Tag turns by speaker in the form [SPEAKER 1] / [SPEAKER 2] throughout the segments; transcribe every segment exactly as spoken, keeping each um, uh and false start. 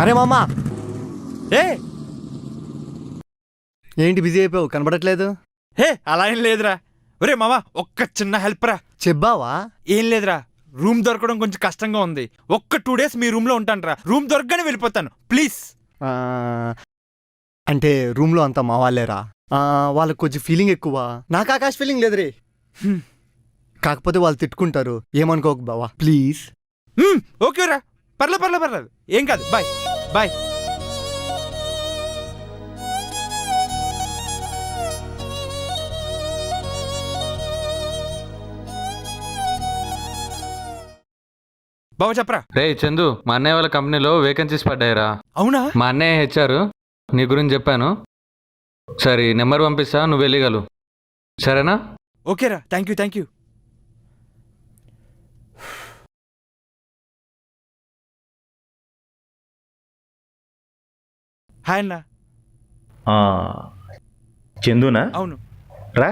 [SPEAKER 1] అరే మామా,
[SPEAKER 2] ఏ
[SPEAKER 1] ఏంటి బిజీ అయిపోయావు, కనబడట్లేదు?
[SPEAKER 2] హే అలా ఏం లేదురా. ఒరే మామ, ఒక్క చిన్న హెల్ప్ రా.
[SPEAKER 1] చెప్పావా?
[SPEAKER 2] ఏం లేదురా, రూమ్ దొరకడం కొంచెం కష్టంగా ఉంది. ఒక్క టూ డేస్ మీ రూమ్ లో ఉంటాను రా. రూమ్ దొరకగానే వెళ్ళిపోతాను ప్లీజ్.
[SPEAKER 1] ఆ, అంటే రూమ్లో అంతా మా వాళ్ళేరా. ఆ, వాళ్ళకి కొంచెం ఫీలింగ్ ఎక్కువ. నాకు ఆకాశ ఫీలింగ్ లేదురే. కాకపోతే వాళ్ళు తిట్టుకుంటారు, ఏమనుకోకు బావా ప్లీజ్.
[SPEAKER 2] ఓకే రా, పర్లే పర్లే పర్లేదు, ఏం కాదు. Bye bye. బాబా చెప్పరా.
[SPEAKER 3] రే చందు, మా అన్నయ్య వాళ్ళ కంపెనీలో వేకెన్సీస్ పడ్డాయిరా.
[SPEAKER 2] అవునా?
[SPEAKER 3] మా అన్నయ్య హెచ్ఆర్, నీ గురించి చెప్పాను. సరే నెంబర్ పంపిస్తా, నువ్వు వెళ్ళగలవు. సరేనా?
[SPEAKER 2] ఓకేరా, thank you thank you. Hi అన్న.
[SPEAKER 4] చందునా?
[SPEAKER 2] అవును.
[SPEAKER 4] రా.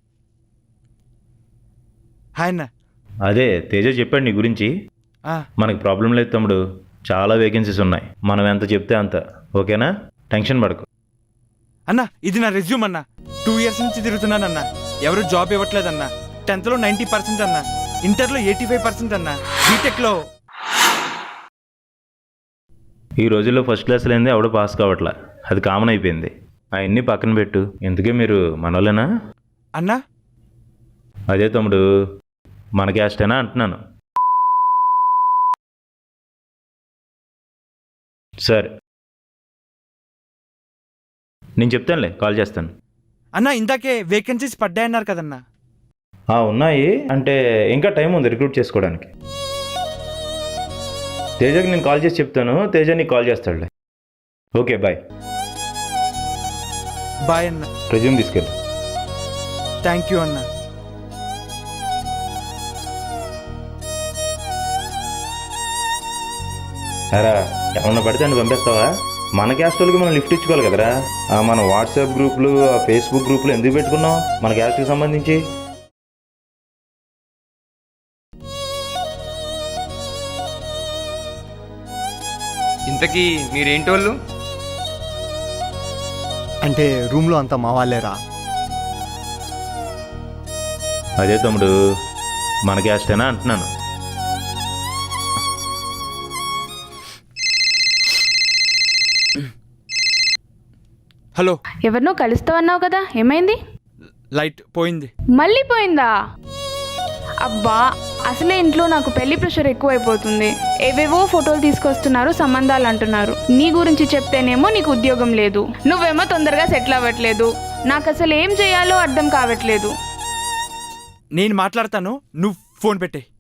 [SPEAKER 2] హాయ్ అన్న.
[SPEAKER 4] అదే తేజ చెప్పాడు నీ గురించి. మనకి ప్రాబ్లం లేదు తమ్ముడు, చాలా వేకెన్సీస్ ఉన్నాయి. మనం ఎంత చెప్తే అంత. ఓకేనా? టెన్షన్ పడకు.
[SPEAKER 2] అన్న ఇది నా రెజ్యూమ్ అన్న. టూ ఇయర్స్ నుంచి తిరుగుతున్నానన్న, ఎవరు జాబ్ ఇవ్వట్లేదన్న. టెన్త్లో నైంటీ పర్సెంట్ అన్న, ఇంటర్లో ఎయిటీ ఫైవ్ పర్సెంట్ అన్న, బీటెక్లో.
[SPEAKER 4] ఈ రోజుల్లో ఫస్ట్ క్లాస్ లేనిదే ఎవడో పాస్ కావట్లా, అది కామన్ అయిపోయింది. అవన్నీ పక్కన పెట్టు. ఎందుకే మీరు మనోళ్ళేనా?
[SPEAKER 2] అన్నా
[SPEAKER 4] అదే తమ్ముడు, మన క్యాస్టేనా అంటున్నాను. సరే నేను చెప్తానులే, కాల్ చేస్తాను.
[SPEAKER 2] అన్న ఇందాకే వేకెన్సీస్ పడ్డాయన్నారు కదన్నా.
[SPEAKER 4] ఉన్నాయి అంటే ఇంకా టైం ఉంది రిక్రూట్ చేసుకోవడానికి. తేజకి నేను కాల్ చేసి చెప్తాను, తేజ నీకు కాల్ చేస్తాడులే. Okay bye.
[SPEAKER 2] బాయ్ అన్న.
[SPEAKER 4] రెజ్యూమ్ తీసుకెళ్ళి.
[SPEAKER 2] థ్యాంక్ యూ అన్న.
[SPEAKER 4] అరా ఏమన్నా పడితే అని పంపిస్తావా? మన క్యాస్ట్ వాళ్ళకి మనం లిఫ్ట్ ఇచ్చుకోవాలి కదరా. మన వాట్సాప్ గ్రూపులు, ఆ ఫేస్బుక్ గ్రూపులు ఎందుకు పెట్టుకున్నాం మన క్యాస్ట్కి సంబంధించి?
[SPEAKER 5] ఇంతకీ మీరేంటోళ్ళు?
[SPEAKER 1] అంటే రూమ్లో అంతా మా వాళ్ళేరా.
[SPEAKER 4] అదే తమ్ముడు, మన క్యాస్టేనా అంటున్నాను.
[SPEAKER 2] హలో.
[SPEAKER 6] ఎవరినో కలుస్తావన్నావు కదా, ఏమైంది?
[SPEAKER 2] లైట్ పోయింది.
[SPEAKER 6] మళ్ళీ పోయిందా? అబ్బా, అసలే ఇంట్లో నాకు పెళ్లి ప్రెషర్ ఎక్కువైపోతుంది. ఏవేవో ఫోటోలు తీసుకొస్తున్నారు, సంబంధాలు అంటున్నారు. నీ గురించి చెప్తేనేమో నీకు ఉద్యోగం లేదు, నువ్వేమో తొందరగా సెటిల్ అవ్వట్లేదు. నాకు అసలు ఏం చేయాలో అర్థం కావట్లేదు.
[SPEAKER 2] నేను మాట్లాడతాను, నువ్వు ఫోన్ పెట్టే.